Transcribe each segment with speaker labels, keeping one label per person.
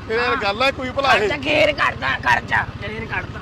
Speaker 1: ਇਹ ਗੱਲ ਹੈ ਕੋਈ ਭਲਾ ਇਹ
Speaker 2: ਗੇਰ ਕੱਢਦਾ ਖਰਚਾ ਗੇਰ ਕੱਢਦਾ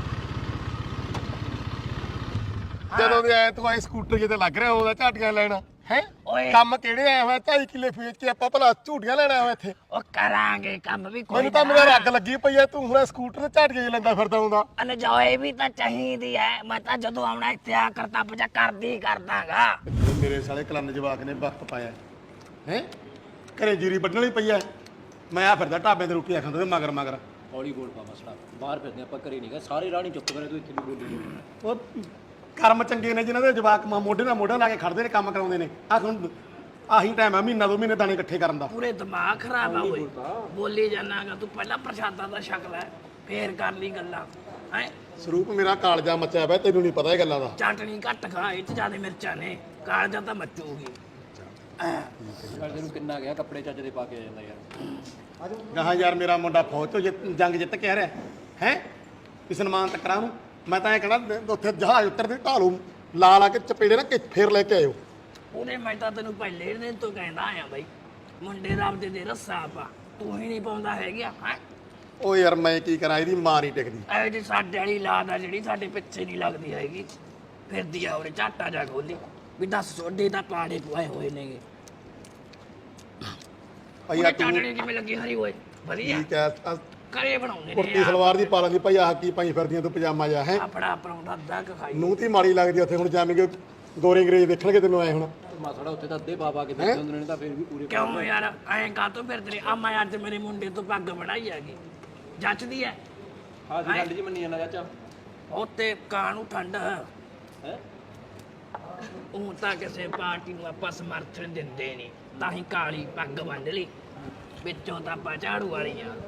Speaker 1: ਜਦੋਂ ਦੇ ਆਏ ਤੂੰ ਆਏ ਸਕੂਟਰ ਜਿੱਤੇ ਲੱਗ ਰਿਹਾ ਉਹਦਾ ਝਾਟੀਆਂ ਲੈਣਾ ਹੈ
Speaker 2: ਓਏ
Speaker 1: ਕੰਮ ਕਿਹੜੇ ਆਇਆ ਹੋਇਆ 2.5 ਕਿੱਲੇ ਵੇਚ ਕੇ ਆਪਾਂ ਭਲਾ ਝੂਟੀਆਂ ਲੈਣਾ ਹੋਇਆ ਇੱਥੇ
Speaker 2: ਉਹ ਕਰਾਂਗੇ ਕੰਮ ਵੀ ਕੋਈ
Speaker 1: ਮੈਨੂੰ ਤਾਂ ਮੇਰਾ ਰੱਗ ਲੱਗੀ ਪਈ ਐ ਤੂੰ ਹੁਣ ਸਕੂਟਰ ਤੇ ਝਾਟੀਆਂ ਹੀ ਲੈਂਦਾ ਫਿਰਦਾ ਹੁੰਦਾ
Speaker 2: ਅਨਜੋਏ ਵੀ ਤਾਂ ਚਾਹੀਦੀ ਹੈ ਮੈਂ ਤਾਂ ਜਦੋਂ ਆਉਣਾ ਇੱਥੇ ਆ ਕਰਤਾ ਪਜਾ ਕਰਦੀ ਕਰਦਾਗਾ
Speaker 1: ਮੇਰੇ ਸਾਲੇ ਕਲੰਨ ਜਵਾਕ ਨੇ ਵਕਤ ਪਾਇਆ ਹੈ ਘਰੇ ਜੀਰੀ ਵੱਢਣ ਲਈ ਪਈ ਐ ਮੈਂ ਆ ਫਿਰਦਾ ਢਾਬੇ ਤੇ ਰੋਟੀਆਂ ਖਾਂਦਾ ਮਗਰ ਮਗਰ
Speaker 3: ਹੌਲੀ ਬੋਲ ਪਾ ਮਸਲਾ ਬਾਹਰ ਫਿਰਦੇ ਆਪਾਂ ਘਰੇ ਨਹੀਂਗਾ ਸਾਰੇ ਰਾਹ ਨਹੀਂ ਚੁੱਪ ਕਰੇ ਤੂੰ ਇੱਥੇ ਵੀ ਬੋਲੀ
Speaker 1: ਉਹ ਕਰਮ ਚੰਗੇ ਨੇ ਜਿਨ੍ਹਾਂ ਦੇ ਜਵਾਕ ਮੋਢੇ ਨਾਲ ਮੋਢਾ ਲਾ ਕੇ ਖੜਦੇ ਨੇ ਕੰਮ ਕਰਾਉਂਦੇ ਨੇ ਆ ਹੁਣ ਆਹੀ ਟਾਈਮ ਆ ਮਹੀਨਾ 2 ਮਹੀਨੇ ਦਾਣੇ ਇਕੱਠੇ ਕਰਨ ਦਾ
Speaker 2: ਪੂਰੇ ਦਿਮਾਗ ਖਰਾਬ ਆ ਓਏ ਬੋਲੀ ਜਾਣਾਗਾ ਤੂੰ ਪਹਿਲਾਂ ਪ੍ਰਸ਼ਾਦਾ ਦਾ ਸ਼ਕਲ ਹੈ ਫੇਰ ਕਰ ਲਈ ਗੱਲਾਂ ਹੈ
Speaker 1: ਸਰੂਪ ਮੇਰਾ ਕਾਲਜਾ ਮੱਚਿਆ ਪਿਆ ਤੈਨੂੰ ਨਹੀਂ ਪਤਾ ਇਹ ਗੱਲਾਂ ਦਾ
Speaker 2: ਚਟਣੀ ਘੱਟ ਖਾ ਇਹ ਚ ਜ਼ਿਆਦਾ ਮਿਰਚਾਂ ਨੇ ਕਾਲਜਾ ਤਾਂ ਮੱਚੂਗੀ
Speaker 3: ਤੈਨੂੰ ਕਿੰਨਾ ਗਿਆ ਕੱਪੜੇ ਚੱਜ ਦੇ ਪਾ ਕੇ ਆ ਜਾਂਦਾ ਯਾਰ
Speaker 1: ਗਾਹਾਂ ਯਾਰ ਮੇਰਾ ਮੁੰਡਾ ਫੌਜ ਤੋਂ ਜੰਗ ਜਿੱਤ ਕੇ ਆ ਰਿਹਾ ਹੈ ਕਿ ਸਨਮਾਨ ਤੱਕਰਾਂ ਨੂੰ ਮੈਂ ਤਾਂ ਇਹ ਕਹਿਣਾ ਉੱਥੇ ਜਹਾਜ਼ ਉੱਤਰਦੇ ਢਾਲੂ ਲਾ ਲਾ ਕੇ ਚਪੇੜੇ ਨਾ ਕਿ ਫੇਰ ਲੈ ਕੇ ਆਇਓ
Speaker 2: ਉਹਨੇ ਮੈਂ ਤਾਂ ਤੈਨੂੰ ਪਹਿਲੇ ਦਿਨ ਤੋਂ ਕਹਿੰਦਾ ਆ ਬਈ ਮੁੰਡੇ ਦਾ ਆਪਦੇ ਦੇ ਰੱਸਾ ਪਾ ਤੂੰ ਹੀ ਨਹੀਂ ਪਾਉਂਦਾ ਹੈਗਾ ਹੈ
Speaker 1: ਓ ਯਾਰ ਮੈਂ ਕੀ ਕਰਾਂ ਇਹਦੀ ਮਾਂ ਨਹੀਂ ਟਿਕਦੀ
Speaker 2: ਐ ਜੀ ਸਾਡੇ ਵਾਲੀ ਲਾਦ ਆ ਜਿਹੜੀ ਸਾਡੇ ਪਿੱਛੇ ਨਹੀਂ ਲੱਗਦੀ ਹੈਗੀ ਫਿਰਦੀ ਆ ਉਹਨੇ ਝਾਟਾ ਜਾ ਖੋਲੀ ਵੀ ਦੱਸ ਸੋਡੇ ਤਾਂ ਪਾੜੇ ਪੁਆਏ ਹੋਏ ਨੇਗੇ
Speaker 1: ਭਈਆ ਤੂੰ
Speaker 2: ਚਾਟਣੀ ਕਿਵੇਂ ਲੱਗੀ ਹਰੀ ਹੋਏ ਵਧੀਆ
Speaker 1: ਠੀਕ ਹੈ
Speaker 2: ਘਰੇ ਬਣਾਉਂਦੇ ਨੇ
Speaker 1: ਕੁਰਤੀ ਸਲਵਾਰ ਦੀ ਪਾ ਲੈਂਦੀ ਭਾਈ ਆਹ ਕੀ ਪਾਈ ਫਿਰਦੀਆਂ ਤੂੰ ਪਜਾਮਾ ਜਾ ਹੈ
Speaker 2: ਆਪਣਾ ਪਰੌਂਠਾ ਅੱਧਾ ਕੁ ਖਾਈ
Speaker 1: ਨੂੰ ਤੀ ਮਾੜੀ ਲੱਗਦੀ ਉੱਥੇ ਹੁਣ ਜਾਵੇਂਗੇ ਗੋਰੇ ਅੰਗਰੇਜ਼ ਦੇਖਣਗੇ ਤੈਨੂੰ ਆਏ ਹੁਣ
Speaker 3: ਮਾਸੜਾ ਉੱਥੇ ਤਾਂ ਅੱਧੇ ਬਾਬਾ ਕੇ ਬੈਠੇ ਹੁੰਦੇ ਨੇ ਤਾਂ ਫਿਰ ਵੀ ਪੂਰੇ
Speaker 2: ਕਿਉਂ ਯਾਰ ਐਂ ਕਾਹਤੋਂ ਫਿਰਦੇ ਨੇ ਆ ਮੈਂ ਅੱਜ ਮੇਰੇ ਮੁੰਡੇ ਤੋਂ ਪੱਗ ਬਣਾਈ ਹੈਗੀ ਜੱਚਦੀ ਐ
Speaker 3: ਹਾਂ ਜੀ ਗੱਲ ਜੀ ਮੰਨੀ ਜਾਂਦਾ ਚਾਚਾ
Speaker 2: ਉੱਤੇ ਕਾਂ ਨੂੰ ਠੰਡ
Speaker 3: ਹੈ
Speaker 2: ਉਹ ਤਾਂ ਕਿਸੇ ਪਾਰਟੀ ਨੂੰ ਆਪਾਂ ਸਮਰਥਨ ਦਿੰਦੇ ਨਹੀਂ ਤਾਂ ਹੀ ਕਾਲੀ ਪੱਗ ਬੰਨ ਲਈ ਵਿੱਚੋਂ ਤਾਂ ਆਪਾਂ ਝਾੜੂ ਵਾਲੀ ਆ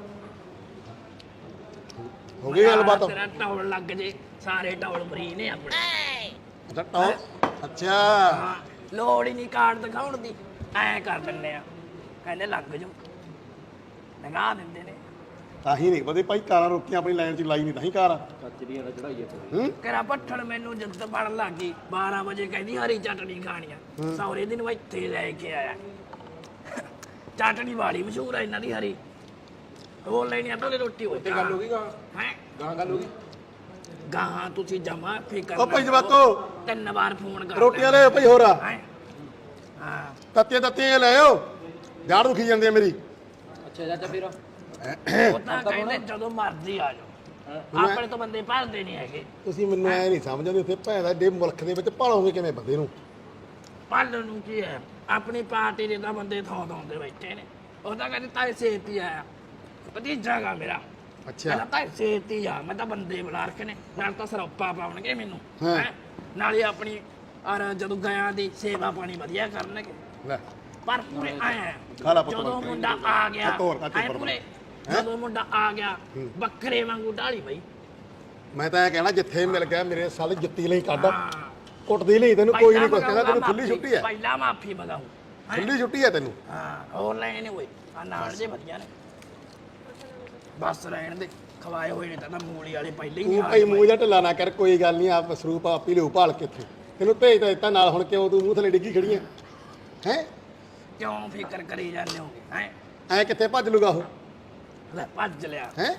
Speaker 1: ਹੋ ਗਈ ਗੱਲਬਾਤ
Speaker 2: ਤੇਰਾ ਟੌਲ ਲੱਗ ਜੇ ਸਾਰੇ ਟੌਲ ਮਰੀ ਨੇ ਆਪਣੇ
Speaker 1: ਅੱਛਾ ਟੌਰ ਅੱਛਾ
Speaker 2: ਹਾਂ ਲੋੜ ਹੀ ਨਹੀਂ ਕਾਰਡ ਦਿਖਾਉਣ ਦੀ ਐਂ ਕਰ ਦਿੰਨੇ ਆ ਕਹਿੰਦੇ ਲੱਗ ਜਾਓ ਲਗਾ ਦਿੰਦੇ ਨੇ
Speaker 1: ਤਾਂ ਹੀ ਨਹੀਂ ਪਤਾ ਭਾਈ ਕਾਰਾਂ ਰੋਕੀਆਂ ਆਪਣੀ ਲਾਈਨ 'ਚ ਲਾਈ ਨਹੀਂ ਤਾਂ ਹੀ ਕਾਰ
Speaker 3: ਕੱਚ ਦੀਆਂ ਦਾ ਚੜਾਈ
Speaker 1: ਹੂੰ
Speaker 2: ਕਰਾ ਪੱਠਣ ਮੈਨੂੰ ਜਦ ਪੜਨ ਲੱਗ ਗਈ 12 ਵਜੇ ਕਹਿੰਦੀ ਹਰੀ ਚਟਣੀ ਖਾਣੀ ਆ ਸੌਰੇ ਦਿਨ ਮੈਂ ਇੱਥੇ ਲੈ ਕੇ ਆਇਆ ਚਟਣੀ ਵਾਲੀ ਮਸ਼ਹੂਰ ਆ ਇਹਨਾਂ ਦੀ ਹਰੀ ਹੋਰ ਲੈਣੀ ਆ ਤਾਂ ਰੋਟੀ ਹੋਈ
Speaker 3: ਤੇ ਗੱਲ ਹੋ ਗਈ ਗਾ
Speaker 2: ਹੈ
Speaker 3: ਗਾਂ ਗੱਲ ਹੋ ਗਈ
Speaker 2: ਗਾਹਾਂ ਤੁਸੀਂ ਜਮਾ ਫਿਕਰ
Speaker 1: ਓ ਭਾਈ ਜਵਾਕੋ
Speaker 2: 3 ਵਾਰ ਫੋਨ ਕਰ
Speaker 1: ਰੋਟੀਆਂ ਲੈ ਭਾਈ ਹੋਰ ਆ
Speaker 2: ਹੈਂ? ਹਾਂ
Speaker 1: ਤੱਤੀਆਂ ਤੱਤੀਆਂ ਲੈ ਆਓ ਜਾੜ ਦੁਖੀ ਜਾਂਦੀ ਆ ਮੇਰੀ
Speaker 3: ਅੱਛਾ ਚਾਚਾ ਫਿਰ
Speaker 2: ਉਹ ਤਾਂ ਕਹਿੰਦੇ ਜਦੋਂ ਮਰਜ਼ੀ ਆ ਜਾਓ ਆਪਣੇ ਤੋਂ ਬੰਦੇ ਭਰਦੇ ਨਹੀਂ ਹੈਗੇ
Speaker 1: ਤੁਸੀਂ ਮੈਨੂੰ ਐ ਨਹੀਂ ਸਮਝਦੇ ਉੱਥੇ ਭੈਣ ਦਾ ਡੇ ਮੁਲਕ ਦੇ ਵਿੱਚ ਭਾਲੋਗੇ ਕਿਵੇਂ ਬੰਦੇ ਨੂੰ
Speaker 2: ਪਾਲਣ ਨੂੰ ਕੀ ਹੈ ਆਪਣੀ ਪਾਰਟੀ ਦੇ ਤਾਂ ਬੰਦੇ ਥਾਂ ਦੇ ਬੈਠੇ ਨੇ ਉਹ ਤਾਂ ਕਹਿੰਦੇ ਤਾਏ ਸੇਤੀ ਆਇਆ ਭਤੀਜਾ ਗਾ ਮੇਰਾ
Speaker 1: ਅੱਛਾ
Speaker 2: ਕਹਿੰਦਾ ਤਾਏ ਸੇਤੀ ਆ ਮੈਂ ਤਾਂ ਬੰਦੇ ਬੁਲਾ ਰੱਖੇ ਨੇ ਨਾਲ ਤਾਂ ਸਰੋਪਾ ਪਾਉਣਗੇ ਮੈਨੂੰ
Speaker 1: ਹਾਂ।
Speaker 2: ਹੈਂ? ਨਾਲੇ ਆਪਣੀ ਔਰ ਜਦੋਂ ਗਿਆ ਦੀ ਸੇਵਾ ਪਾਣੀ ਵਧੀਆ ਕਰਨਗੇ
Speaker 1: ਲੈ
Speaker 2: ਪਰ ਪੂਰੇ ਆਇਆ
Speaker 1: ਖਾ ਲਾ ਪੁੱਤ
Speaker 2: ਜਦੋਂ ਮੁੰਡਾ ਆ ਗਿਆ
Speaker 1: ਤੋਰ ਕੱਟ
Speaker 2: ਐਂ ਪੂਰੇ ਜਦੋਂ ਮੁੰਡਾ ਆ ਗਿਆ ਬੱਕਰੇ ਵਾਂਗੂ ਢਾਲੀ ਬਈ
Speaker 1: ਮੈਂ ਤਾਂ ਇਹ ਕਹਿਣਾ ਜਿੱਥੇ ਮਿਲ ਗਿਆ ਮੇਰੇ ਸਾਲ ਜੁੱਤੀ ਲਈ ਕੱਢ
Speaker 2: ਹਾਂ
Speaker 1: ਕੁੱਟਦੀ ਨਹੀਂ ਤੈਨੂੰ ਕੋਈ ਨਹੀਂ ਕੁਛ
Speaker 2: ਪਹਿਲਾਂ
Speaker 1: ਕਹਿੰਦਾ ਤੈਨੂੰ ਖੁੱਲੀ ਛੁੱਟੀ ਹੈ
Speaker 2: ਪਹਿਲਾਂ ਮਾਫੀ ਮੰਗਾਉ
Speaker 1: ਖੁੱਲੀ ਛੁੱਟੀ ਹੈ ਤੈਨੂੰ
Speaker 2: ਹਾਂ ਹੋਰ ਲੈਣੇ ਨੇ ਓਏ ਆ ਨਾਲ ਜੇ ਵਧੀਆ ਨੇ ਬਸ ਰਹਿਣ ਦੇ ਖਵਾਏ ਹੋਏ ਨੇ ਤਾਂ ਮੂਲੀ ਵਾਲੇ ਪਹਿਲੇ ਹੀ
Speaker 1: ਤੂੰ
Speaker 2: ਨਹੀਂ
Speaker 1: ਭਾਈ ਮੂੰਹ ਜਾਂ ਢਿੱਲਾ ਨਾ ਕਰ ਕੋਈ ਗੱਲ ਨਹੀਂ ਆਪ ਸਰੂਪ ਆਪੀ ਲਿਓ ਭਾਲ ਕੇ ਇੱਥੇ ਤੈਨੂੰ ਭੇਜ ਤਾਂ ਦਿੱਤਾ ਨਾਲ ਹੁਣ ਕਿਉਂ ਤੂੰ ਮੂੰਹ ਥੱਲੇ ਡਿੱਗੀ ਖੜੀ ਹੈ ਹੈ
Speaker 2: ਕਿਉਂ ਫਿਕਰ ਕਰੀ ਜਾਂਦੇ ਹੋਗੇ ਹੈ
Speaker 1: ਐ ਕਿੱਥੇ ਭੱਜ ਲੂਗਾ ਉਹ
Speaker 2: ਲੈ ਭੱਜ ਲਿਆ
Speaker 1: ਹੈ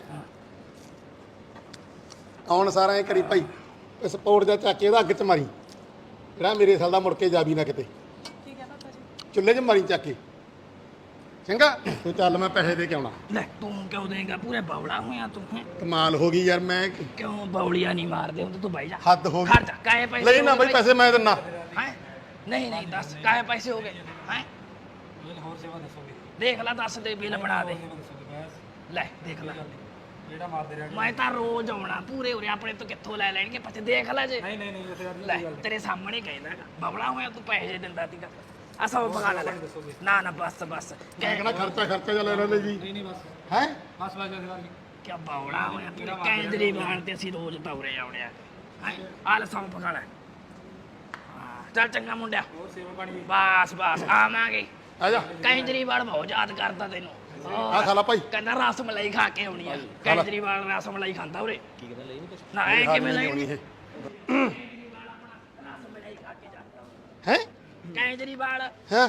Speaker 1: ਆਉਣ ਸਾਰਾ ਐ ਕਰੀ ਭਾਈ ਸਪੋਰਟ ਦਾ ਚਾਕੇ ਉਹਦਾ ਅੱਗ 'ਚ ਮਾਰੀ ਜਿਹੜਾ ਮੇਰੇ ਸਾਲ ਦਾ ਮੁੜ ਕੇ ਜਾਵੀ ਨਾ ਕਿਤੇ
Speaker 4: ਠੀਕ ਹੈ ਪਾਪਾ ਜੀ
Speaker 1: ਚੁੱਲ੍ਹੇ 'ਚ ਮਾਰੀ ਚਾਕੇ ਚੰਗਾ ਤੂੰ ਚੱਲ ਮੈਂ ਪੈਸੇ ਦੇ ਕੇ ਆਉਣਾ
Speaker 2: ਲੈ ਤੂੰ ਕਿਉਂ ਦੇਂਗਾ ਪੂਰੇ ਬੌਲਾ ਹੋਇਆ ਤੂੰ ਹੈਂ?
Speaker 1: ਕਮਾਲ ਹੋ ਗਈ ਯਾਰ ਮੈਂ
Speaker 2: ਕਿਉਂ ਬੌਲੀਆਂ ਨਹੀਂ ਮਾਰਦੇ ਹੁੰਦੇ ਤੂੰ ਬਾਈ ਜਾ
Speaker 1: ਹੱਦ ਹੋ
Speaker 2: ਖੜ
Speaker 1: ਗਈ
Speaker 2: ਜਾ ਕਾਹੇ ਪੈਸੇ
Speaker 1: ਲਈ ਨਾ
Speaker 2: ਹੋ ਗਏ
Speaker 1: ਬਈ ਪੈਸੇ ਮੈਂ ਦਿੰਨਾ
Speaker 2: ਹੈਂ? ਨਹੀਂ ਨਹੀਂ ਦੱਸ ਕਾਹੇ ਪੈਸੇ ਹੋ ਗਏ ਹੈ
Speaker 5: ਹੋਰ ਸੇਵਾ ਦੱਸੋਗੇ
Speaker 2: ਦੇਖ ਲੈ ਦੱਸ ਦੇ ਬਿੱਲ ਬਣਾ ਦੇ
Speaker 5: ਦੱਸੋਗੇ ਬਸ
Speaker 2: ਲੈ ਦੇਖ ਲੈ
Speaker 5: ਜਿਹੜਾ ਮਾਰਦੇ ਰਹਿ
Speaker 2: ਮੈਂ ਤਾਂ ਰੋਜ਼ ਆਉਣਾ ਪੂਰੇ ਉਰੇ ਆਪਣੇ ਤੋਂ ਕਿੱਥੋਂ ਲੈ ਲੈਣਗੇ ਪੱਛੇ ਦੇਖ ਲੈ ਜੇ
Speaker 5: ਨਹੀਂ ਨਹੀਂ ਨਹੀਂ ਉੱਥੇ
Speaker 2: ਲੈ ਤੇਰੇ ਸਾਹਮਣੇ ਕਹਿੰਦਾ ਬਬਲਾ ਹੋਇਆ ਤੂੰ ਪੈਸੇ ਦਿੰਦਾ ਸੀਗਾ ਅਸਾਂ ਪਕਾ ਲੈ ਨਾ ਨਾ ਬਸ ਬਸ
Speaker 1: ਮੈਂ ਕਹਿੰਦਾ ਖਰਚਾ ਜਾ ਲੈ ਲੈਂਦੇ ਜੀ
Speaker 5: ਨਹੀਂ ਨਹੀਂ ਬਸ
Speaker 1: ਹੈ
Speaker 5: ਬਸ ਬਸ ਸੇਵਾ ਜੀ
Speaker 2: ਕਿਆ ਬੌਲਾ ਹੋਇਆ ਤੂੰ ਕੇਜਰੀਵਾਲ ਤੇ ਅਸੀਂ ਰੋਜ਼ ਤੌਰੇ ਆਉਣੇ ਆ ਆਲ ਸੌਂ ਪਕਾ ਲੈ ਹਾਂ, ਚੱਲ ਚੰਗਾ ਮੁੰਡਿਆ
Speaker 5: ਹੋਰ ਸੇਵਾ ਪਾਣੀ
Speaker 2: ਬਸ ਬਸ ਆਵਾਂਗੇ
Speaker 1: ਆ ਜਾ
Speaker 2: ਕੇਜਰੀਵਾਲ ਬਹੁਤ ਯਾਦ ਕਰਦਾ ਤੈਨੂੰ
Speaker 1: ਆ ਖਾ ਲਾ ਭਾਈ
Speaker 2: ਕਹਿੰਦਾ ਰਸ ਮਲਾਈ ਖਾ ਕੇ ਆਉਣੀ ਆ ਕੇਜਰੀਵਾਲ ਰਸ ਮਲਾਈ ਖਾਂਦਾ ਉਰੇ
Speaker 3: ਕੀ ਕਹਿੰਦਾ ਲਈ ਨਹੀਂ ਕੁਛ
Speaker 2: ਨਾ ਐ ਕਿਵੇਂ ਲਈ
Speaker 1: ਆਉਣੀ ਇਹ
Speaker 2: ਰਸ ਮਲਾਈ ਖਾ ਕੇ ਜਾਂਦਾ
Speaker 1: ਹੈ
Speaker 2: ਕੇਜਰੀਵਾਲ
Speaker 1: ਹਾਂ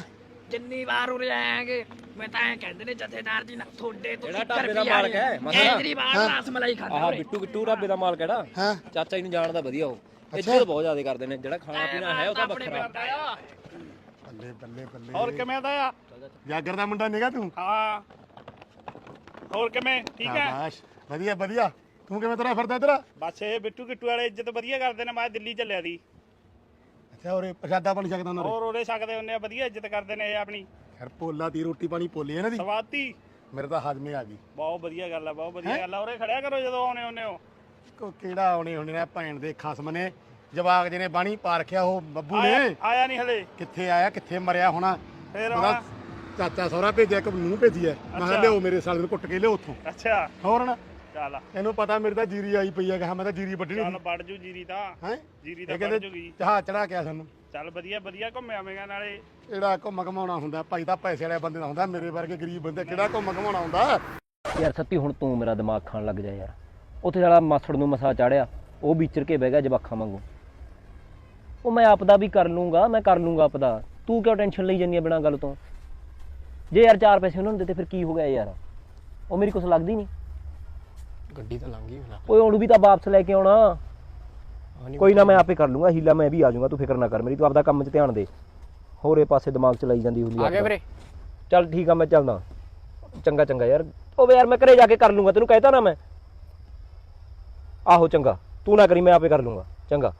Speaker 2: ਜਿੰਨੀ ਵਾਰ ਉਰੇ ਆਏਗੇ ਮੈਂ ਤਾਂ ਐ ਕਹਿੰਦੇ ਨੇ ਜਥੇਦਾਰ ਜੀ ਨਾ ਤੁਹਾਡੇ ਤੋਂ
Speaker 3: ਜਿਹੜਾ ਢਾਬੇ ਦਾ ਮਾਲਕ ਹੈ,
Speaker 2: ਕੇਜਰੀਵਾਲ ਰਸ ਮਲਾਈ ਖਾਂਦਾ
Speaker 3: ਆਹ
Speaker 2: ਉਰੇ।
Speaker 3: ਬਿੱਟੂ ਢਾਬੇ ਦਾ ਮਾਲਕ ਕਿਹੜਾ
Speaker 1: ਹਾਂ
Speaker 3: ਚਾਚਾ ਜੀ ਨੂੰ ਜਾਣਦਾ ਵਧੀਆ ਉਹ ਇੱਜ਼ਤ ਬਹੁਤ ਜ਼ਿਆਦਾ ਕਰਦੇ ਨੇ ਜਿਹੜਾ ਖਾਣਾ ਪੀਣਾ ਹੈ ਉਹ ਤਾਂ
Speaker 2: ਆਪਣੇ
Speaker 3: ਵੱਖਰਾ
Speaker 2: ਪਿੰਡ ਆਇਆ।
Speaker 1: ਬੱਲੇ ਬੱਲੇ ਬੱਲੇ
Speaker 5: ਹੋਰ ਕਿਵੇਂ ਦਾ ਆ
Speaker 1: ਜਾਗਰ ਦਾ ਮੁੰਡਾ ਨਿਗਾ ਤੂੰ
Speaker 5: ਹਾਂ ਹੋਰ ਕਿਵੇਂ ਠੀਕ ਹੈ
Speaker 1: ਸ਼ਾਬਾਸ਼ ਵਧੀਆ ਵਧੀਆ ਤੂੰ ਕਿਵੇਂ ਤੁਰਿਆ ਫਿਰਦਾ ਇੱਧਰ
Speaker 5: ਬਸ ਇਹ ਬਿੱਟੂ ਕਿੱਟੂ ਵਾਲੇ ਇੱਜ਼ਤ ਵਧੀਆ ਕਰਦੇ ਨੇ ਮੈਂ ਦਿੱਲੀ ਚੱਲਿਆ ਦੀ
Speaker 1: ਅੱਛਾ ਉਰੇ ਪ੍ਰਸ਼ਾਦਾ ਬਣ ਸਕਦਾ ਉਹਨਾਂ ਦੇ
Speaker 5: ਹੋਰ ਉਹਦੇ ਸਕਦੇ ਹੁੰਦੇ ਆ ਵਧੀਆ ਇੱਜ਼ਤ ਕਰਦੇ ਨੇ ਇਹ ਆਪਣੀ
Speaker 1: ਖੈਰ ਪੋਲਾ ਦੀ ਰੋਟੀ ਪਾਣੀ ਪੋਲੀ ਇਹਨਾਂ ਦੀ
Speaker 5: ਸਵਾਤੀ
Speaker 1: ਮੇਰੇ ਤਾਂ ਹਜਮੇ ਆ ਗਈ
Speaker 5: ਬਹੁਤ ਵਧੀਆ ਗੱਲ ਆ ਬਹੁਤ ਵਧੀਆ ਗੱਲ ਆ ਉਰੇ ਖੜਿਆ ਕਰੋ ਜਦੋਂ ਆਉਣੇ ਹੁੰਦੇ ਹੋ
Speaker 1: ਕਿਹੜਾ ਆਉਣੇ ਹੋਣੇ ਨੇ ਭੈਣ ਦੇ ਖਸਮ ਨੇ ਜਵਾਕ ਜਿਹਨੇ ਬਾਣੀ ਪਾ ਰੱਖਿਆ ਉਹ ਬੱਬੂ ਨੇ
Speaker 5: ਆਇਆ ਨਹੀਂ ਹਲੇ
Speaker 1: ਕਿੱਥੇ ਆਇਆ ਕਿੱਥੇ ਮਰਿਆ ਹੋਣਾ
Speaker 5: ਫੇਰ
Speaker 1: ਉਹਦਾ
Speaker 5: ਆਉਣਾ
Speaker 1: ਚਾਚਾ ਸਹੁਰਾ ਭੇਜਿਆ ਇੱਕ ਨੂੰ ਭੇਜੀ ਐ ਮੈਂ ਕਿਹਾ ਲਿਓ ਮੇਰੇ ਸਾਲੇ ਨੂੰ ਕੁੱਟ ਕੇ ਲਿਓ ਉੱਥੋਂ
Speaker 5: ਅੱਛਾ
Speaker 1: ਹੋਰ ਨਾ
Speaker 5: ਚੱਲ
Speaker 1: ਇਹਨੂੰ ਪਤਾ ਮੇਰੇ ਤਾਂ ਜੀਰੀ ਆਈ ਪਈ ਐ ਕਿ ਮੈਂ ਤਾਂ ਜੀਰੀ ਵੱਢਣੀ
Speaker 5: ਚੱਲ ਵੜ ਜੂ ਜੀਰੀ ਤਾਂ
Speaker 1: ਹੈ
Speaker 5: ਜੀਰੀ
Speaker 1: ਇਹ
Speaker 5: ਤਾਂ ਵੜ
Speaker 1: ਕਹਿੰਦੇ
Speaker 5: ਜੂਗੀ
Speaker 1: ਜਹਾਜ਼ ਚੜਾ ਕੇ ਆ ਸਾਨੂੰ
Speaker 5: ਚੱਲ ਵਧੀਆ ਵਧੀਆ ਘੁੰਮ ਆਵੇਂਗਾ ਨਾਲੇ
Speaker 1: ਕਿਹੜਾ ਘੁੰਮ ਘਮਾਉਣਾ ਹੁੰਦਾ ਭਾਈ ਤਾਂ ਪੈਸੇ ਵਾਲੇ ਬੰਦੇ ਦਾ ਹੁੰਦਾ ਮੇਰੇ ਵਰਗੇ ਗਰੀਬ ਬੰਦੇ ਕਿਹੜਾ ਘੁੰਮ ਘਮਾਉਣਾ ਹੁੰਦਾ
Speaker 3: ਯਾਰ ਸੱਤੀ ਹੁਣ ਤੂੰ ਮੇਰਾ ਦਿਮਾਗ ਖਾਣ ਲੱਗ ਜਾ ਯਾਰ ਉੱਥੇ ਸਾਲਾ ਮਾਸੜ ਨੂੰ ਮਸਾ ਚਾੜਿਆ ਉਹ ਵਿਚਰ ਕੇ ਬਹਿ ਗਿਆ ਜਵਾਖਾਂ ਵਾਂਗੂ ਉਹ ਮੈਂ ਆਪਦਾ ਵੀ ਕਰ ਲੂੰਗਾ ਮੈਂ ਕਰ ਲੂੰਗਾ ਆਪਦਾ ਤੂੰ ਕਿਉਂ ਟੈਨਸ਼ਨ ਲਈ ਜਾਂਦੀ ਆ ਬਿਨਾਂ ਗੱਲ ਤੋਂ ਜੇ ਯਾਰ 4 ਪੈਸੇ ਉਹਨਾਂ ਨੂੰ ਦਿੱਤੇ ਫਿਰ ਕੀ ਹੋ ਗਿਆ ਯਾਰ ਉਹ ਮੇਰੀ ਕੁਛ ਲੱਗਦੀ ਨਹੀਂ
Speaker 4: ਗੱਡੀ ਤਾਂ ਲੰਘ ਗਈ ਹੁਣ
Speaker 3: ਓਏ ਉਹਨੂੰ ਵੀ ਤਾਂ ਵਾਪਸ ਲੈ ਕੇ ਆਉਣਾ ਕੋਈ ਨਾ ਮੈਂ ਆਪੇ ਕਰ ਲੂੰਗਾ ਹੀਲਾ ਮੈਂ ਵੀ ਆ ਜਾਊਂਗਾ ਤੂੰ ਫਿਕਰ ਨਾ ਕਰ ਮੇਰੀ ਤੂੰ ਆਪਦਾ ਕੰਮ 'ਚ ਧਿਆਨ ਦੇ ਹੋਰੇ ਪਾਸੇ ਦਿਮਾਗ ਚਲਾਈ ਜਾਂਦੀ ਹੁੰਦੀ
Speaker 4: ਆ ਗਿਆ ਵੀਰੇ
Speaker 3: ਚੱਲ ਠੀਕ ਆ ਮੈਂ ਚੱਲਦਾ ਚੰਗਾ ਚੰਗਾ ਯਾਰ ਉਹ ਯਾਰ ਮੈਂ ਘਰੇ ਜਾ ਕੇ ਕਰ ਲੂੰਗਾ ਤੈਨੂੰ ਕਹਿਤਾ ਨਾ ਮੈਂ ਆਹੋ ਚੰਗਾ ਤੂੰ ਨਾ ਕਰੀ ਮੈਂ ਆਪੇ ਕਰ ਲੂੰਗਾ ਚੰਗਾ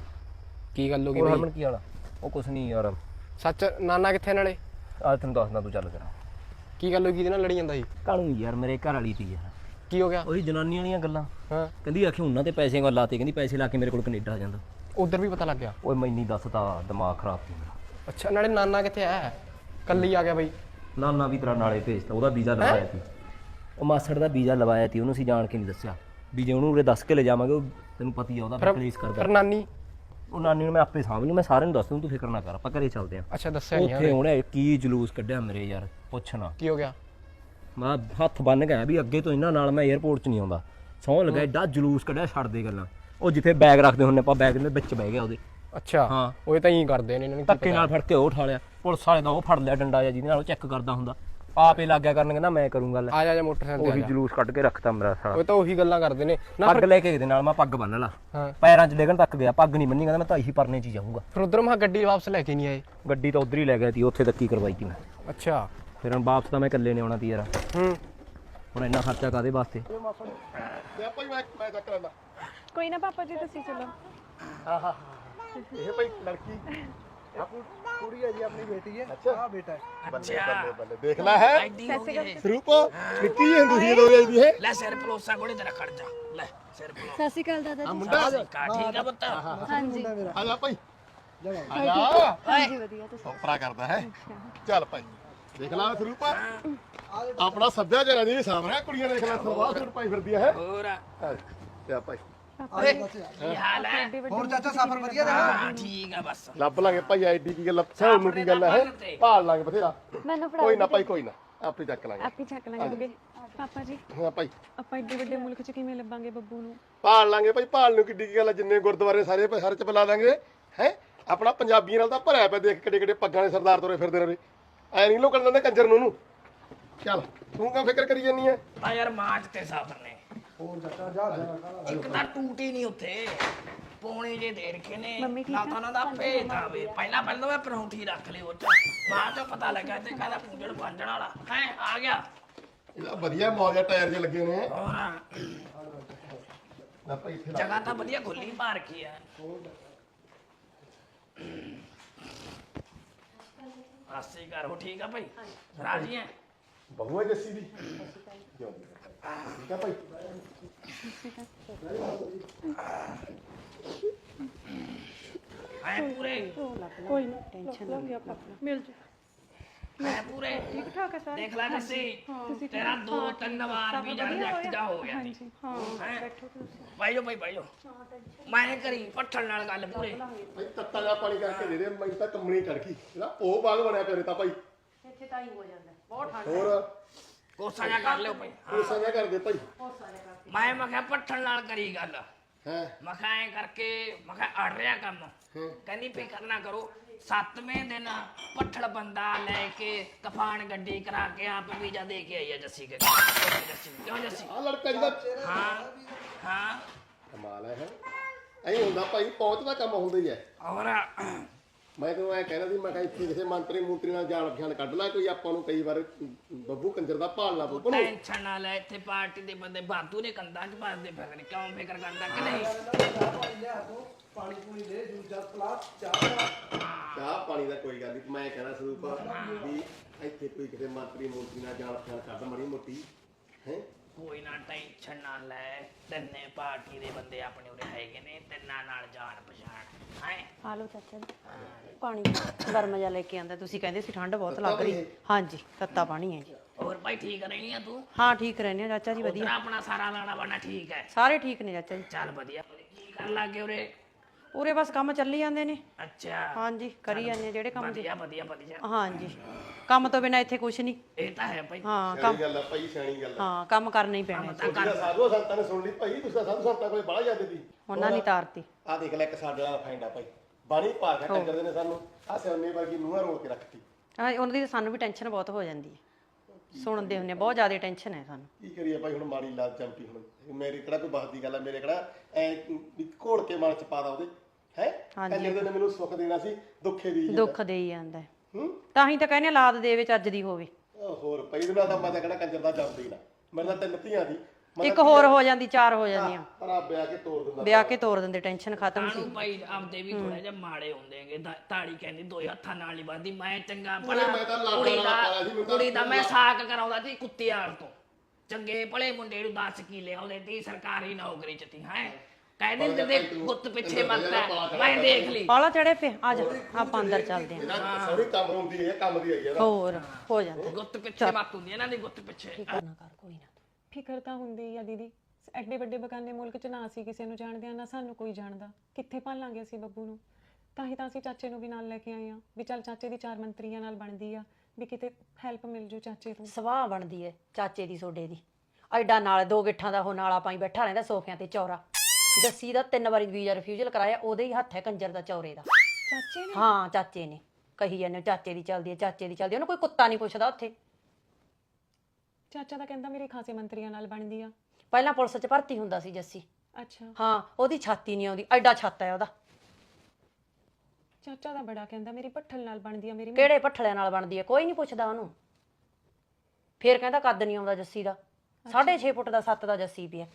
Speaker 4: ਕੀ ਗੱਲ ਹੋ ਗਈ
Speaker 3: ਹੋਰ
Speaker 4: ਬਈ
Speaker 3: ਹਰਮਨ ਕੀ ਹਾਲ ਆ ਉਹ ਕੁਛ ਨਹੀਂ ਯਾਰ
Speaker 4: ਸੱਚ ਨਾਨਾ ਕਿੱਥੇ ਨਾਲੇ
Speaker 3: ਆ ਤੈਨੂੰ ਦੱਸਦਾ ਤੂੰ ਚੱਲ ਕਰਾਂ
Speaker 4: ਕੀ ਗੱਲ ਹੋ ਗਈ ਇਹਦੇ ਨਾਲ ਲੜੀ ਜਾਂਦਾ ਸੀ
Speaker 3: ਕਾਹਨੂੰ ਯਾਰ ਮੇਰੇ ਘਰ ਵਾਲੀ ਤੀ ਯਾਰ
Speaker 4: ਕੀ ਹੋ ਗਿਆ
Speaker 3: ਉਹੀ ਜਨਾਨੀ ਵਾਲੀਆਂ ਗੱਲਾਂ
Speaker 4: ਹਾਂ
Speaker 3: ਕਹਿੰਦੀ ਆਖੀ ਉਹਨਾਂ ਤੇ ਪੈਸੇ ਗੱਲ ਲਾਤੇ ਕਹਿੰਦੀ ਪੈਸੇ ਲਾ ਕੇ ਮੇਰੇ ਕੋਲ ਕੈਨੇਡਾ ਆ ਜਾਂਦਾ
Speaker 4: ਉਧਰ ਵੀ ਪਤਾ ਲੱਗ ਗਿਆ
Speaker 3: ਓਏ ਮੈਨੀ ਦੱਸਦਾ ਦਿਮਾਗ ਖਰਾਬ ਸੀ ਮੇਰਾ
Speaker 4: ਅੱਛਾ ਨਾਲੇ ਨਾਨਾ ਕਿੱਥੇ ਆਇਆ ਕੱਲੀ ਆ ਗਿਆ ਬਈ
Speaker 3: ਨਾਨਾ ਵੀ ਤੇਰਾ ਨਾਲੇ ਭੇਜਤਾ ਉਹਦਾ ਵੀਜ਼ਾ ਲਵਾਇਆ ਸੀ ਉਹ ਮਾਸੜ ਦਾ ਵੀਜ਼ਾ ਲਵਾਇਆ ਸੀ ਉਹਨੂੰ ਅਸੀਂ ਜਾਣ ਕੇ ਨਹੀਂ ਦੱਸਿਆ ਵੀ ਜੇ ਉਹਨੂੰ ਉਰੇ ਦੱਸ ਕੇ ਲੈ ਜਾਵਾਂਗੇ ਉਹ ਤੈਨੂੰ ਪਤਾ ਹੀ ਆ ਉਹਦਾ ਕਲੇਸ਼ ਕਰਦਾ
Speaker 4: ਫਿਰ ਨਾਨੀ
Speaker 3: ਉਹ ਨਾਨੀ ਨੂੰ ਮੈਂ ਆਪੇ ਸਾਂਭ ਲੂ ਮੈਂ ਸਾਰਿਆਂ ਨੂੰ ਦੱਸ ਦੂੰ ਤੂੰ ਫਿਕਰ ਨਾ ਕਰ ਆਪਾਂ ਘਰੇ ਚੱਲਦੇ ਆਂ
Speaker 4: ਅੱਛਾ ਦੱਸਿਆ ਨਹੀਂ
Speaker 3: ਉੱਥੇ ਉਹਨੇ ਕੀ ਜਲੂਸ ਕੱਢਿਆ ਮੇਰੇ ਯਾਰ ਪੁੱਛਣਾ
Speaker 4: ਕੀ ਹੋ ਗਿਆ
Speaker 3: ਮੈਂ ਹੱਥ ਬੰਨ ਗਿਆ ਵੀ ਅੱਗੇ ਤੋਂ ਇਹਨਾਂ ਨਾਲ ਮੈਂ 에어ਪੋਰਟ 'ਚ ਨਹੀਂ ਆਉਂਦਾ ਸੌਂ ਲੱਗਾ ਏਡਾ ਜਲੂਸ ਕੱਢਿਆ ਛੱਡ ਦੇ ਗੱਲਾਂ ਉਹ ਜਿੱਥੇ ਬੈਗ ਰੱਖਦੇ ਹੁੰਨੇ ਆਪਾਂ ਬੈਗ ਦੇ ਵਿੱਚ ਬਹਿ ਗਿਆ ਉਹਦੇ
Speaker 4: ਅੱਛਾ
Speaker 3: ਹਾਂ
Speaker 4: ਉਹ ਤਾਂ ਹੀ ਕਰਦੇ ਨੇ ਇਹਨਾਂ ਨੂੰ
Speaker 3: ਧੱਕੇ ਨਾਲ ਫੜ ਕੇ ਉਹ ਉਠਾ ਲਿਆ ਪੁਲਿਸ ਵਾਲੇ ਦਾ ਉਹ ਫੜ ਲਿਆ ਡੰਡਾ ਜਿਹਾ ਜਿਹਦੇ ਨਾਲ ਉਹ ਚੈੱਕ ਕਰਦਾ ਹੁੰਦਾ ਆਪੇ ਲੱਗ ਗਿਆ ਕਰਨ ਕਹਿੰਦਾ ਮੈਂ ਕਰੂੰਗਾ ਲੈ
Speaker 4: ਆ ਜਾ ਮੋਟਰਸਾਈਕਲ
Speaker 3: ਉਹੀ
Speaker 4: ਤੇ
Speaker 3: ਜਲੂਸ ਕੱਢ ਕੇ ਰੱਖਤਾ ਮੇਰਾ ਸਾਲਾ
Speaker 4: ਉਹ ਤਾਂ ਉਹੀ ਗੱਲਾਂ ਕਰਦੇ ਨੇ ਨਾ
Speaker 3: ਪੱਗ ਲੈ ਕੇ ਇਹਦੇ ਨਾਲ ਮੈਂ ਪੱਗ ਬੰਨ ਲਾ
Speaker 4: ਹਾਂ
Speaker 3: ਪੈਰਾਂ 'ਚ ਡੇਗਣ ਤੱਕ ਗਿਆ ਪੱਗ ਨਹੀਂ ਬੰਨੀ ਕਹਿੰਦਾ ਮੈਂ ਤਾਂ ਇਹੀ ਪਰਨੇ 'ਚ ਹੀ ਜਾਊਂਗਾ
Speaker 4: ਫਿਰ ਉਧਰ ਮਾ ਗੱਡੀ ਵਾਪਸ ਲੈ ਕੇ ਨਹੀਂ ਆਏ
Speaker 3: ਗੱਡੀ ਤਾਂ ਉਧਰ ਹੀ ਲੈ ਗਿਆ ਸੀ ਉੱਥੇ ਤੱਕ ਹੀ ਕਰਵਾਈ ਸੀ ਮੈਂ
Speaker 4: ਅੱਛਾ
Speaker 3: ਫਿਰ ਹੁਣ ਵਾਪਸ ਤਾਂ ਮੈਂ ਇਕੱਲੇ ਨੇ ਆਉਣਾ ਸੀ ਯਾਰ
Speaker 4: ਹੂੰ
Speaker 3: ਹੁਣ ਇੰਨਾ ਖਰਚਾ ਕਾਦੇ ਵਾਸਤੇ
Speaker 1: ਤੇ ਭਾਈ ਮੈਂ ਚੱਕ ਲੈਂਦਾ
Speaker 6: ਕੋਈ ਨਾ ਪਾਪਾ ਜੀ ਤੁਸੀਂ ਚਲੋ
Speaker 1: ਆਹਾ ਇਹ ਭਾਈ ਲੜਕੀ ਕੁੜੀ ਹੈ ਜੀ ਆਪਣੀ ਬੇਟੀ ਹੈ ਅੱਛਾ ਆ ਬੇਟਾ ਹੈ ਬੱਲੇ ਬੱਲੇ ਬੱਲੇ ਦੇਖ ਲੈ ਹੈ
Speaker 2: ਐਡੀ ਹੋ ਗਈ ਇਹ।
Speaker 1: ਸਰੂਪ ਨਿੱਕੀ ਜਿਹੀ ਹੁੰਦੀ ਸੀ ਜਦੋਂ ਇਹ ਦੀ ਇਹ
Speaker 2: ਲੈ ਸਿਰ ਪਲੋਸਾ ਕੋਲੇ ਤੇਰਾ ਖੜ ਜਾ ਲੈ ਸਿਰ ਪਲੋਸਾ
Speaker 6: ਸਤਿ ਸ਼੍ਰੀ ਅਕਾਲ ਦਾਦਾ ਜੀ
Speaker 1: ਮੁੰਡਾ
Speaker 2: ਠੀਕ ਆ ਪੁੱਤ
Speaker 6: ਹਾਂਜੀ
Speaker 1: ਆ ਜਾ ਭਾਈ ਆ ਜਾ
Speaker 6: ਹਾਂਜੀ ਵਧੀਆ ਤੁਸੀਂ
Speaker 1: ਉਪਰਾ ਕਰਦਾ ਹੈ ਚੱਲ ਭਾਈ ਦੇਖ ਲੈ ਸਰੂਪ ਆਪਣਾ ਸੱਭਿਆਚਾਰ ਦੀ ਵੀ ਸਾਹਮਣੇ ਕੁੜੀਆਂ ਦੇਖ ਲੈ ਸਲਵਾਰ ਸੂਟ ਪਾਈ ਫਿਰਦੀ ਹੈ
Speaker 2: ਹੋਰ
Speaker 1: ਤੇ ਭਾਈ
Speaker 2: ਕੀ ਹਾਲ ਹੈ
Speaker 7: ਹੋਰ ਚਾਚਾ ਸਫ਼ਰ ਵਧੀਆ ਰਿਹਾ
Speaker 2: ਹਾਂ ਠੀਕ ਆ ਬਸ
Speaker 1: ਲੱਭ ਲਾਂਗੇ ਭਾਈ ਆਈਡੀ ਕੀ ਗੱਲ ਸੌ ਨੂੰ ਕੀ ਗੱਲ ਹੈ ਭਾਲ ਲਾਂਗੇ ਬਥੇਰਾ
Speaker 6: ਮੈਨੂੰ ਫੜਾ
Speaker 1: ਕੋਈ ਨਾ ਭਾਈ ਕੋਈ ਨਾ ਆਪੇ ਚੱਕ ਲਾਂਗੇ
Speaker 6: ਆਪੇ ਚੱਕ ਲਾਂਗੇ ਪਾਪਾ ਜੀ
Speaker 1: ਹਾਂ ਭਾਈ
Speaker 6: ਆਪਾਂ ਏਡੇ ਵੱਡੇ ਮੁਲਕ 'ਚ ਕਿਵੇਂ ਲੱਭਾਂਗੇ ਬੱਬੂ ਨੂੰ
Speaker 1: ਭਾਲ ਲਾਂਗੇ ਭਾਈ ਭਾਲ ਨੂੰ ਕਿੱਡੀ ਕੀ ਗੱਲ ਹੈ ਜਿੰਨੇ ਗੁਰਦੁਆਰੇ ਸਾਰੇ ਚ ਬੁਲਾ ਦਾਂਗੇ ਹੈ ਆਪਣਾ ਪੰਜਾਬੀਆਂ ਨਾਲ ਤਾਂ ਭਰਿਆ ਪਿਆ ਦੇਖ ਕਿੱਡੇ ਕਿੱਡੇ ਪੱਗਾਂ ਦੇ ਸਰਦਾਰ ਤੁਰੇ ਫਿਰਦੇ ਰਹੇ ਐ ਨਹੀਂ ਲੋਕਾਂ ਦਿੰਦੇ ਕੰਜਰ ਨੂੰ ਚੱਲ ਤੂੰ ਕਿਉਂ ਫਿਕਰ ਕਰੀ ਜਾਨੀ ਐ
Speaker 2: ਤਾਂ ਯਾਰ ਮਾਚ ਤੇ ਸਾਫਰ ਨੇ ਹੋਰ ਚਾਚਾ ਜਾ ਇੱਕ ਤਾਂ ਟੂਟੀ ਨਹੀਂ ਉੱਥੇ ਪੌਣੇ ਜੇ ਦੇ ਰਖੇ ਨੇ
Speaker 6: ਮੰਮੀ ਠੀਕ
Speaker 2: ਨਾ ਤਾਂ ਉਹਨਾਂ ਦਾ ਭੇਤ ਆਵੇ ਪਹਿਲਾਂ ਮੈਂ ਪਰੌਂਠੀ ਰੱਖ ਲਈ ਉਹ ਚ ਬਾਅਦ ਚ ਪਤਾ ਲੱਗਾ ਤੇ ਕਹਿੰਦਾ ਪੂੰਝਣ ਪਾਂਝਣ ਵਾਲਾ ਹੈ ਆ ਗਿਆ
Speaker 1: ਇਹਦਾ ਵਧੀਆ ਮੌਜਾ ਟਾਇਰ ਜੇ ਲੱਗੇ ਨੇ
Speaker 2: ਹੋਰ
Speaker 1: ਨਾ ਭਾਈ ਇੱਥੇ
Speaker 2: ਜਗ੍ਹਾ ਤਾਂ ਵਧੀਆ ਖੁੱਲੀ ਪਾ ਰੱਖੀ ਆ ਆਸੀ ਘਰ ਹੋ ਠੀਕ ਆ ਭਾਈ ਰਾਜੀ ਹੈ
Speaker 1: ਬਹੂ ਹੈ ਜੱਸੀ ਦੀ ਠੀਕ ਆ ਭਾਈ
Speaker 2: ਹੈ ਪੂਰੇ
Speaker 6: ਕੋਈ ਨਾ ਟੈਨਸ਼ਨ ਨਾ ਲਿਆ ਪਾਪਾ ਮਿਲ ਜਾ
Speaker 2: ਹੈ ਪੂਰੇ
Speaker 6: ਠੀਕ ਠਾਕ ਹੈ ਸਾਰੇ
Speaker 2: ਦੇਖ ਲੈ ਜੱਸੀ ਤੇਰਾ 2-3 ਵਾਰ ਵੀ ਰਿਜੈਕਟ ਜਾ ਹੋ ਗਿਆ ਸੀ
Speaker 6: ਹਾਂ
Speaker 2: ਹੈਂ?
Speaker 6: ਬੈਠੋ ਤੁਸੀਂ
Speaker 2: ਬਾਈਓ ਬਾਈਓ ਮੈਂ ਕਰੀ ਪੱਠਣ ਨਾਲ ਗੱਲ ਪੂਰੇ
Speaker 1: ਭਾਈ ਤੱਤਾ ਜਿਹਾ ਪਾਣੀ ਕਰਕੇ ਦੇ ਦੇ ਮੈਨੂੰ ਤਾਂ ਕੰਮਣੀ ਚੜ ਗਈ ਇਹਦਾ ਉਹ ਬਾਗ ਬਣਿਆ ਪਿਆ ਤਾਂ ਭਾਈ
Speaker 6: ਇੱਥੇ ਤਾਂ ਹੀ ਹੋ ਜਾਂਦਾ ਬਹੁਤ ਠੰਡ
Speaker 1: ਹੋਰ
Speaker 2: ਕੋਸਾ ਜਾ ਕਰ ਲਿਓ ਭਾਈ
Speaker 1: ਉਹ ਸਾਂਝਾ ਕਰ ਦੇ ਭਾਈ
Speaker 2: ਮੈਂ ਕਿਹਾ ਪੱਠਣ ਨਾਲ ਕਰੀ ਗੱਲ
Speaker 1: ਹੈ
Speaker 2: ਮੈਂ ਕਿਹਾ ਐਂ ਕਰਕੇ ਮੈਂ ਕਿਹਾ ਅੜ ਰਿਹਾ ਕੰਮ ਕਹਿੰਦੀ ਫਿਕਰ ਨਾ ਕਰੋ 7ਵੇਂ ਦਿਨ ਪੱਠੜ ਬੰਦਾ ਲੈ ਕੇ ਤੂਫਾਨ ਗੱਡੀ ਕਰਾ ਕੇ ਆਪ ਵੀਜ਼ਾ ਦੇ ਕੇ ਆਈ ਹੈ ਜੱਸੀ ਕੇ ਜੱਸੀ ਕਿਉਂ ਜੱਸੀ
Speaker 1: ਆ ਲੜਕਾ ਜਿਹਦਾ
Speaker 2: ਹਾਂ ਹਾਂ
Speaker 1: ਕਮਾਲ ਹੈ ਐਂ ਹੁੰਦਾ ਭਾਈ ਪਹੁੰਚ ਦਾ ਕੰਮ ਹੁੰਦਾ ਹੀ ਹੈ।
Speaker 2: ਔਰ
Speaker 1: ਮੈਂ ਤੈਨੂੰ ਐ ਕਹਿਣਾ ਸੀ, ਮੈਂ ਕਿਹਾ ਇੱਥੇ ਕਿਸੇ ਮੰਤਰੀ ਮੂਤਰੀ ਨਾਲ ਜਾਣ ਪਛਾਣ ਕੱਢ ਲੈ ਕੋਈ, ਆਪਾਂ ਨੂੰ ਕਈ ਵਾਰ ਬੱਬੂ ਕੰਜਰ ਦਾ ਭਾਲਣਾ ਪਊ।
Speaker 2: ਟੈਨਸ਼ਨ ਨਾ ਲੈ, ਇੱਥੇ ਪਾਰਟੀ ਦੇ ਬੰਦੇ ਬਾਤੂ ਨੇ ਕੰਦਾ ਚ ਪਾਸਦੇ ਫਿਰਦੇ ਕਿਉਂ ਫਿਕਰ ਕਰਦਾ ਕਿ ਨਹੀਂ
Speaker 1: ਚਾਹ ਪਾਣੀ ਦਾ ਕੋਈ ਗੱਲ ਨਹੀਂ। ਮੈਂ ਕਹਿਣਾ ਸਰੂਪ ਵੀ ਇੱਥੇ ਕੋਈ ਕਿਸੇ ਮੰਤਰੀ ਮੂਤਰੀ ਨਾਲ ਜਾਣ ਪਛਾਣ ਕੱਢ ਮਾੜੀ ਮੋਟੀ ਹੈ।
Speaker 2: ਕੋਈ ਨਾ ਟੈਨਸ਼ਨ ਨਾ ਲੈ, ਤਿੰਨੇ ਪਾਰਟੀ ਦੇ ਬੰਦੇ ਆਪਣੇ ਉਰੇ ਹੈਗੇ ਨੇ, ਤਿੰਨਾਂ ਨਾਲ ਜਾਣ ਪਛਾਣ ਹੈ।
Speaker 7: ਆ ਲਓ ਚਾਚਾ ਜੀ ਪਾਣੀ ਗਰਮ ਜਿਹਾ ਲੈ ਕੇ ਆਂਦਾ, ਤੁਸੀਂ ਕਹਿੰਦੇ ਸੀ ਠੰਡ ਬਹੁਤ ਲੱਗ ਰਹੀ। ਹਾਂਜੀ ਤੱਤਾ ਪਾਣੀ ਹੈ ਜੀ।
Speaker 2: ਹੋਰ ਭਾਈ ਠੀਕ ਰਹਿਣੀ ਆ ਤੂੰ?
Speaker 7: ਹਾਂ ਠੀਕ ਰਹਿੰਦੇ ਆ ਚਾਚਾ ਜੀ,
Speaker 2: ਉਧਰ
Speaker 7: ਵਧੀਆ
Speaker 2: ਆਪਣਾ ਸਾਰਾ ਲਾਣਾ ਬਾਣਾ ਠੀਕ ਹੈ?
Speaker 7: ਸਾਰੇ ਠੀਕ ਨੇ ਚਾਚਾ ਜੀ।
Speaker 2: ਚੱਲ ਵਧੀਆ। ਕੀ ਕਰਨ ਲੱਗੇ ਉਰੇ?
Speaker 7: ਉਰੇ ਬਸ ਕੰਮ ਚੱਲੀ ਜਾਂਦੇ ਨੇ।
Speaker 2: ਅੱਛਾ
Speaker 7: ਹਾਂਜੀ ਕਰੀ ਜਾਂਦੇ ਆ ਜਿਹੜੇ ਕੰਮ
Speaker 2: ਵਧੀਆ ਵਧੀਆ ਵਧੀਆ।
Speaker 7: ਹਾਂਜੀ ਕੰਮ ਤੋਂ ਬਿਨਾ ਇੱਥੇ ਕੁਛ ਨਹੀਂ।
Speaker 2: ਇਹ ਤਾਂ ਹੈ ਭਾਈ।
Speaker 7: ਹਾਂ
Speaker 1: ਸਿਆਣੀ ਗੱਲ ਆ ਭਾਈ, ਸਿਆਣੀ ਗੱਲ ਆ।
Speaker 7: ਹਾਂ ਕੰਮ ਕਰਨਾ ਹੀ ਪੈਣਾ।
Speaker 1: ਜਿਹੜਾ ਸਾਧੂ ਸੰਤਾਂ ਨੇ ਸੁਣ ਲਈ ਭਾਈ, ਤੁਸੀਂ ਤਾਂ ਸਾਧੂ ਸੰਤਾਂ ਕੋਲੇ ਬੜਾ ਜਾਂਦੇ ਸੀ।
Speaker 7: ਉਹਨਾਂ ਨੇ ਤਾਰਤੀ।
Speaker 1: ਆ ਦੇਖ ਲੈ ਇੱਕ ਸਾਡੇ ਵਾਲਾ ਫੈਂਡਾ ਭਾਈ, ਬਾਣੀ ਪਾ ਕੇ ਟੱਕਰਦੇ ਨੇ ਸਾਨੂੰ। ਆ ਸਿਆਣੇ ਵਰਗੀ ਨੂੰਹਾਂ ਰੋਲ ਕੇ ਰੱਖਤੀ।
Speaker 7: ਹਾਂ ਉਹਨਾਂ ਦੀ ਤਾਂ ਸਾਨੂੰ ਵੀ ਟੈਨਸ਼ਨ ਬਹੁਤ ਹੋ ਜਾਂਦੀ ਹੈ, ਸੁਣਦੇ ਹੁੰਦੇ ਬਹੁਤ ਜ਼ਿਆਦਾ ਟੈਨਸ਼ਨ ਹੈ ਸਾਨੂੰ।
Speaker 1: ਕੀ ਕਰੀਏ ਭਾਈ, ਹੁਣ ਮਾੜੀ ਲਾਲ ਚੰਪੀ। ਹੁਣ ਮੇਰੇ ਕਿਹੜਾ ਕੋਈ ਬਸ ਦੀ ਗੱਲ ਆ, ਮੇਰੇ ਕਿਹੜਾ ਐ ਘੋੜ ਕੇ ਮਨ ਚ ਪਾ ਦਾ ਉਹਦੇ ਹੈ। ਕੰਜਰ ਦੇ ਨੇ ਮੈਨੂੰ ਸੁੱਖ ਦੇਣਾ ਸੀ, ਦੁੱਖੇ ਦੀ
Speaker 7: ਦੁੱਖ ਦੇ ਹੀ ਜਾਂਦਾ ਹੈ।
Speaker 1: ਹੂੰ
Speaker 7: ਤਾਂ ਹੀ ਤਾਂ ਕਹਿੰਦੇ ਲਾਦ ਦੇਵੇ ਚੱਜ ਦੀ ਹੋਵੇ।
Speaker 1: ਹੋਰ ਪਈ ਦਿਨਾਂ ਤਾਂ ਮੈਂ ਤਾਂ ਕਿਹੜਾ ਕੰਜਰ ਦਾ ਜੰਮਦਾ ਹੀ ਨਾ। ਮੇਰੇ ਤਾਂ 3 ਧੀਆਂ ਦੀ
Speaker 7: ਇੱਕ ਹੋਰ ਹੋ ਜਾਂਦੀ, 4 ਹੋ ਜਾਂਦੀਆਂ।
Speaker 1: ਰੱਬ ਵਿਆਹ ਕੇ ਤੋੜ ਦਿੰਦਾ।
Speaker 7: ਵਿਆਹ ਕੇ ਤੋਰ ਦਿੰਦੇ, ਟੈਨਸ਼ਨ ਖਤਮ ਸੀ।
Speaker 2: ਸਾਨੂੰ ਭਾਈ ਆਪਦੇ ਵੀ ਥੋੜਾ ਜਿਹਾ ਮਾੜੇ ਹੁੰਦੇਗੇ। ਤਾੜੀ ਕਹਿੰਦੀ 2 ਹੱਥਾਂ ਨਾਲ ਨਹੀਂ ਵੱਧਦੀ। ਮੈਂ ਚੰਗਾ ਭਲਾ
Speaker 1: ਮੈਂ ਤਾਂ ਲਾਡਾਂ
Speaker 2: ਕੁੜੀ
Speaker 1: ਨਾਲ ਪਾਲਿਆ ਸੀ, ਮੈਨੂੰ ਤਾਂ
Speaker 2: ਕੁੜੀ ਦਾ ਮੈਂ ਸਾਕ ਕਰਾਉਂਦਾ ਸੀ ਕੁੱਤਿਆਂ ਤੋਂ। ਚੰਗੇ ਭਲੇ ਮੁੰਡੇ ਨੂੰ 10 ਕਿੱਲੇ ਆਉਂਦੇ ਤੀ, ਸਰਕਾਰੀ ਨੌਕਰੀ ਚ ਤੀ ਹੈ। ਕਹਿੰਦੇ ਤੇ ਗੁੱਤ ਪਿੱਛੇ ਮੱਤਾ ਮੈਂ ਦੇਖ ਲਈ।
Speaker 7: ਪਾਲਾ ਚੜੇ ਪੇ ਆ ਜਾ, ਆਪਾਂ ਅੰਦਰ ਚੱਲਦੇ ਆਂ।
Speaker 1: ਇਹਨਾਂ ਸੋਹਣੀ ਕੰਮ ਹੁੰਦੀ ਹੈ, ਕੰਮ ਦੀ ਆਈ ਹੈ।
Speaker 7: ਹੋਰ ਹੋ ਜਾਂਦਾ।
Speaker 2: ਗੁੱਤ ਪਿੱਛੇ ਮੱਤ ਹੁੰਦੀ ਇਹਨਾਂ ਦੀ, ਗੁੱਤ ਪਿੱਛੇ।
Speaker 7: ਫਿਕਰ ਨਾ ਕਰ ਕੋਈ ਨਾ।
Speaker 6: ਫਿਕਰ ਤਾਂ ਹੁੰਦੀ ਆ ਦੀਦੀ। ਐਡੇ ਵੱਡੇ ਬਗਾਨੇ ਮੁਲਕ 'ਚ ਨਾ ਅਸੀਂ ਕਿਸੇ ਨੂੰ ਜਾਣਦੇ ਆ, ਨਾ ਸਾਨੂੰ ਕੋਈ ਜਾਣਦਾ। ਕਿੱਥੇ ਭਾਲਾਂਗੇ ਅਸੀਂ ਬੱਬੂ ਨੂੰ? ਤਾਂ ਹੀ ਤਾਂ ਅਸੀਂ ਚਾਚੇ ਨੂੰ ਵੀ ਨਾਲ ਲੈ ਕੇ ਆਏ ਆ ਵੀ ਚੱਲ ਚਾਚੇ ਦੀ 4 ਮੰਤਰੀਆਂ ਨਾਲ ਬਣਦੀ ਆ, ਵੀ ਕਿਤੇ ਹੈਲਪ ਮਿਲ ਜੂ ਚਾਚੇ ਤੋਂ।
Speaker 7: ਸਵਾਹ ਬਣਦੀ ਹੈ ਚਾਚੇ ਦੀ ਸੋਡੇ ਦੀ। ਐਡਾ ਨਾਲ 2 ਗਿੱਠਾਂ ਦਾ ਉਹ ਨਾਲਾ ਪਾਈ ਬੈਠਾ ਰਹਿੰਦਾ ਸੋਫਿਆਂ ਤੇ ਚੌਰਾ। ਜੱਸੀ ਦਾ 3 ਵਾਰੀ ਵੀਜ਼ਾ ਰਿਫਿਊਜ਼ਲ ਕਰਾਇਆ, ਉਹਦੇ ਹੀ ਹੱਥ ਹੈ ਕੰਜਰ ਦਾ ਚੌਰੇ ਦਾ।
Speaker 6: ਚਾਚੇ ਨੇ?
Speaker 7: ਹਾਂ ਚਾਚੇ ਨੇ। ਕਹੀ ਜਾਂਦੇ ਚਾਚੇ ਦੀ ਚੱਲਦੀ ਹੈ, ਚਾਚੇ ਦੀ ਚੱਲਦੀ ਹੈ। ਉਹਨੂੰ ਕੋਈ ਕੁੱਤਾ ਨਹੀਂ ਪੁੱਛਦਾ ਉੱਥੇ।
Speaker 6: ਚਾਚਾ ਤਾਂ ਕਹਿੰਦਾ ਮੇਰੇ ਖਾਸੇ ਮੰਤਰੀਆਂ ਨਾਲ ਬਣਦੀ ਆ।
Speaker 7: ਪਹਿਲਾਂ ਪੁਲਿਸ 'ਚ ਭਰਤੀ ਹੁੰਦਾ ਸੀ ਜੱਸੀ।
Speaker 6: ਅੱਛਾ
Speaker 7: ਹਾਂ ਉਹਦੀ ਛਾਤੀ ਨਹੀਂ ਆਉਂਦੀ, ਐਡਾ ਛੱਤ ਹੈ ਉਹਦਾ।
Speaker 6: ਚਾਚਾ ਦਾ ਬੜਾ ਕਹਿੰਦਾ ਮੇਰੀ ਭੱਠਲ ਨਾਲ ਬਣਦੀ ਆ ਮੇਰੀ।
Speaker 7: ਕਿਹੜੇ ਭੱਠਲਿਆਂ ਨਾਲ ਬਣਦੀ ਹੈ? ਕੋਈ ਨਹੀਂ ਪੁੱਛਦਾ ਉਹਨੂੰ। ਫੇਰ ਕਹਿੰਦਾ ਕੱਦ ਨਹੀਂ ਆਉਂਦਾ ਜੱਸੀ ਦਾ। 6.5 ਫੁੱਟ ਦਾ 7 ਦਾ ਜੱਸੀ ਪਿਆ।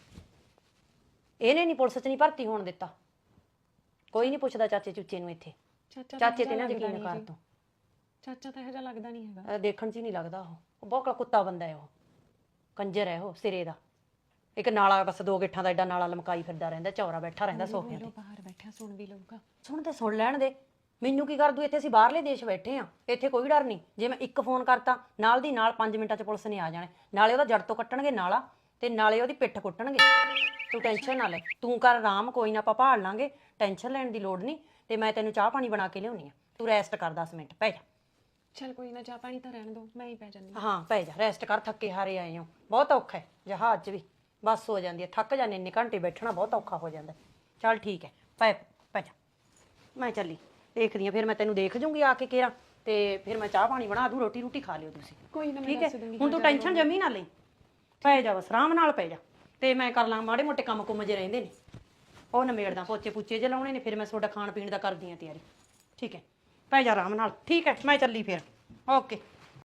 Speaker 7: ਇਹਨੇ ਨਹੀਂ ਪੁਲਿਸ 'ਚ ਨਹੀਂ ਭਰਤੀ ਹੋਣ ਦਿੱਤਾ। ਕੋਈ ਨਹੀਂ ਪੁੱਛਦਾ ਚਾਚੇ ਚੁੱਚੇ ਨੂੰ ਇੱਥੇ। ਚਾਚੇ ਤੇ ਨਾ ਯਕੀਨ ਕਰ ਤੂੰ।
Speaker 6: ਚਾਚਾ ਤਾਂ ਇਹੋ ਜਿਹਾ ਲੱਗਦਾ ਨਹੀਂ ਹੈਗਾ।
Speaker 7: ਦੇਖਣ 'ਚ ਹੀ ਨਹੀਂ ਲੱਗਦਾ ਉਹ ਬਹੁਤ ਕੁੱਤਾ ਬੰਦਾ ਹੈ। ਉਹ ਕੰਜਰ ਹੈ ਉਹ ਸਿਰੇ ਦਾ। ਇੱਕ ਨਾਲਾ ਬਸ 2 ਗਿੱਠਾਂ ਦਾ ਐਡਾ ਨਾਲਾ ਲਮਕਾਈ ਫਿਰਦਾ ਰਹਿੰਦਾ, ਚੌਰਾ ਬੈਠਾ ਰਹਿੰਦਾ ਸੋਫਿਆਂ ਤੇ।
Speaker 6: ਬਾਹਰ ਬੈਠਾ ਸੁਣ ਵੀ ਲਊਗਾ।
Speaker 7: ਸੁਣ ਤੇ ਸੁਣ ਲੈਣ ਦੇ। ਮੈਨੂੰ ਕੀ ਕਰ ਦੂ? ਇੱਥੇ ਅਸੀਂ ਬਾਹਰਲੇ ਦੇਸ਼ ਬੈਠੇ ਆ, ਇੱਥੇ ਕੋਈ ਡਰ ਨਹੀਂ। ਜੇ ਮੈਂ ਇੱਕ ਫੋਨ ਕਰਤਾ ਨਾਲ ਦੀ ਨਾਲ 5 ਮਿੰਟਾਂ 'ਚ ਪੁਲਿਸ ਨੇ ਆ ਜਾਣਾ। ਨਾਲੇ ਉਹਦਾ ਜੜ ਤੋਂ ਕੱਟਣਗੇ ਨਾਲਾ, ਤੇ ਨਾਲੇ ਉਹਦੀ ਪਿੱਠ ਕੁੱਟਣਗੇ। ਤੂੰ ਟੈਨਸ਼ਨ ਨਾ ਲੈ, ਤੂੰ ਕਰ ਆਰਾਮ, ਕੋਈ ਨਾ ਆਪਾਂ ਭਾਲ ਲਾਂਗੇ। ਟੈਨਸ਼ਨ ਲੈਣ ਦੀ ਲੋੜ ਨਹੀਂ। ਤੇ ਮੈਂ ਤੈਨੂੰ ਚਾਹ ਪਾਣੀ ਬਣਾ ਕੇ ਲਿਆਉਣੀ ਆ, ਤੂੰ ਰੈਸਟ ਕਰ 10 ਮਿੰਟ, ਪੈ ਜਾ।
Speaker 6: ਚੱਲ ਕੋਈ ਨਾ, ਚਾਹ ਪਾਣੀ ਤਾਂ ਰਹਿਣ ਦੋ, ਮੈਂ ਹੀ ਪੈ ਜਾਂਦੀ।
Speaker 7: ਹਾਂ ਪੈ ਜਾ, ਰੈਸਟ ਕਰ। ਥੱਕੇ ਹਾਰੇ ਆਏ ਹੋ, ਬਹੁਤ ਔਖਾ ਹੈ ਜਹਾਜ਼ 'ਚ ਵੀ। ਬੱਸ ਹੋ ਜਾਂਦੀ ਹੈ, ਥੱਕ ਜਾਂਦੇ, ਇੰਨੇ ਘੰਟੇ ਬੈਠਣਾ ਬਹੁਤ ਔਖਾ ਹੋ ਜਾਂਦਾ। ਚੱਲ ਠੀਕ ਹੈ, ਪੈ ਜਾ। ਮੈਂ ਚੱਲੀ, ਦੇਖਦੀ ਆ ਫਿਰ ਮੈਂ ਤੈਨੂੰ ਦੇਖ ਜੂੰਗੀ ਆ ਕੇ ਕੇਰਾਂ, ਤੇ ਫਿਰ ਮੈਂ ਚਾਹ ਪਾਣੀ ਬਣਾ ਦੂੰ, ਰੋਟੀ ਖਾ ਲਿਓ ਤੁਸੀਂ।
Speaker 6: ਕੋਈ ਨਾ, ਮੈਂ
Speaker 7: ਠੀਕ ਹੈ,
Speaker 6: ਦੱਸ ਦੂੰਗੀ।
Speaker 7: ਹੁਣ ਤੂੰ ਟੈਨਸ਼ਨ ਜਮੀ ਨਾ ਲਈ, ਪੈ ਜਾ ਬਸ ਆਰਾਮ ਨਾਲ ਪੈ ਜਾ। ਤੇ ਮੈਂ ਕਰ ਲਾਂ ਮਾੜੇ ਮੋਟੇ ਕੰਮ ਕੁੰਮ ਜੇ ਰਹਿੰਦੇ ਨੇ, ਉਹ ਨਿਬੇੜਦਾ। ਪੋਚੇ ਪੁੱਚੇ ਜੇ ਲਾਉਣੇ ਨੇ, ਫਿਰ ਮੈਂ ਤੁਹਾਡਾ ਖਾਣ ਪੀਣ ਦਾ ਕਰਦੀ ਆ ਤਿਆਰੀ। ਠੀਕ ਹੈ, ਪੈ ਜਾ ਆਰਾਮ ਨਾਲ। ਠੀਕ ਹੈ, ਮੈਂ ਚੱਲੀ ਫਿਰ। ਓਕੇ।